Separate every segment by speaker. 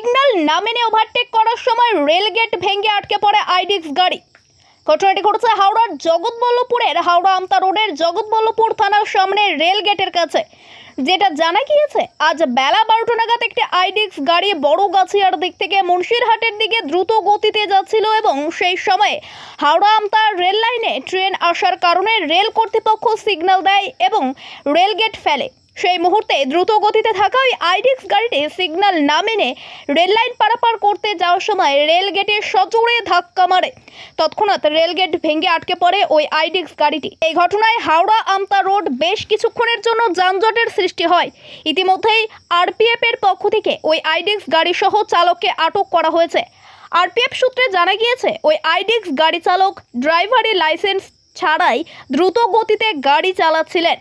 Speaker 1: Signal না মেনে overtake করার সময় রেলগেট ভেঙে আটকে পড়ে আইডিক্স গাড়ি। ঘটনাটি ঘটেছে হাওড়ার জগৎবল্লভপুরের হাওড়া আমতা রোডের জগৎবল্লভপুর থানার সামনে রেলগেটের কাছে। যেটা জানা গিয়েছে, আজ বেলা 12টা নাগাদ একটি আইডিক্স গাড়ি বড়গাছিয়ার দিক থেকে মুন্সিরহাটের দিকে দ্রুত গতিতে যাচ্ছিল এবং সেই সময়ে হাওড়া আমতা রেল লাইনে ট্রেন আসার কারণে রেল কর্তৃপক্ষ সিগন্যাল দেয় এবং রেলগেট ফেলে। সেই মুহূর্তে দ্রুত গতিতে থাকা ওই আইডিক্স গাড়িটি সিগন্যাল না মেনে রেল লাইন পারাপার করতে যাওয়ার সময় রেলগেটে সজোরে ধাক্কা মারে। তৎক্ষণাৎ রেলগেট ভেঙে আটকে পড়ে ওই আইডিক্স গাড়িটি। এই ঘটনায় হাওড়া আমতা রোড বেশ কিছুক্ষণের জন্য যানজটের সৃষ্টি হয়। ইতিমধ্যেই আরপিএফ এর পক্ষ থেকে ওই আইডিক্স গাড়ি সহ চালককে আটক করা হয়েছে। আরপিএফ সূত্রে জানা গিয়েছে, ওই আইডিক্স গাড়ি চালক ড্রাইভারি লাইসেন্স ছাড়াই দ্রুত গতিতে গাড়ি চালাচ্ছিলেন।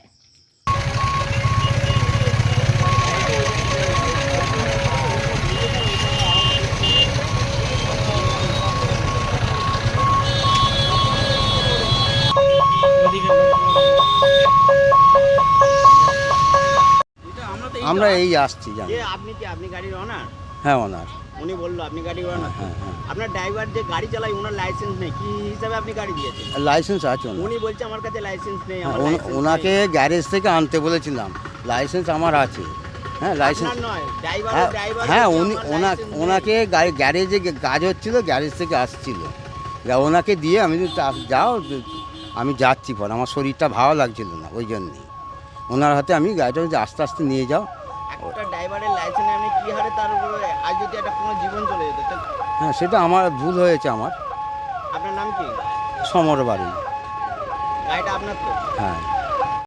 Speaker 2: আমরা এই আসছি জানি।
Speaker 3: যে আপনি গাড়ির ওনার?
Speaker 2: হ্যাঁ, ওনার।
Speaker 3: উনি বললো আপনি গাড়ির ওনার।
Speaker 2: হ্যাঁ।
Speaker 3: আপনার ড্রাইভার যে গাড়ি চালায় ওনার লাইসেন্স নেই, কি হিসাবে আপনি গাড়ি দিয়েছেন?
Speaker 2: লাইসেন্স আছে ওনার।
Speaker 3: উনি বলছে আমার কাছে লাইসেন্স নেই।
Speaker 2: ওনাকে গ্যারেজ থেকে আনতে বলেছিলাম, লাইসেন্স আমার আছে। হ্যাঁ, লাইসেন্স
Speaker 3: নয়, ড্রাইভার।
Speaker 2: হ্যাঁ, ওনাকে গ্যারেজে কাজ হচ্ছিল, গ্যারেজ থেকে আসছিল, ওনাকে দিয়ে আমি যাও, আমি যাচ্ছি। পর আমার শরীরটা ভালো লাগছিল না, ওই জন্যই ওনার হাতে আমি গাড়িটা আস্তে আস্তে নিয়ে যাও।
Speaker 3: একটা ড্রাইভারের লাইসেন্স আপনি কি হারে তার উপরে আজ যদি একটা কোনো জীবন চলে যেত?
Speaker 2: হ্যাঁ, সেটা আমার ভুল হয়েছে। আমার
Speaker 3: আপনার নাম কি?
Speaker 2: সমর বাড়ি।
Speaker 3: গাড়িটা আপনার তো?
Speaker 2: হ্যাঁ।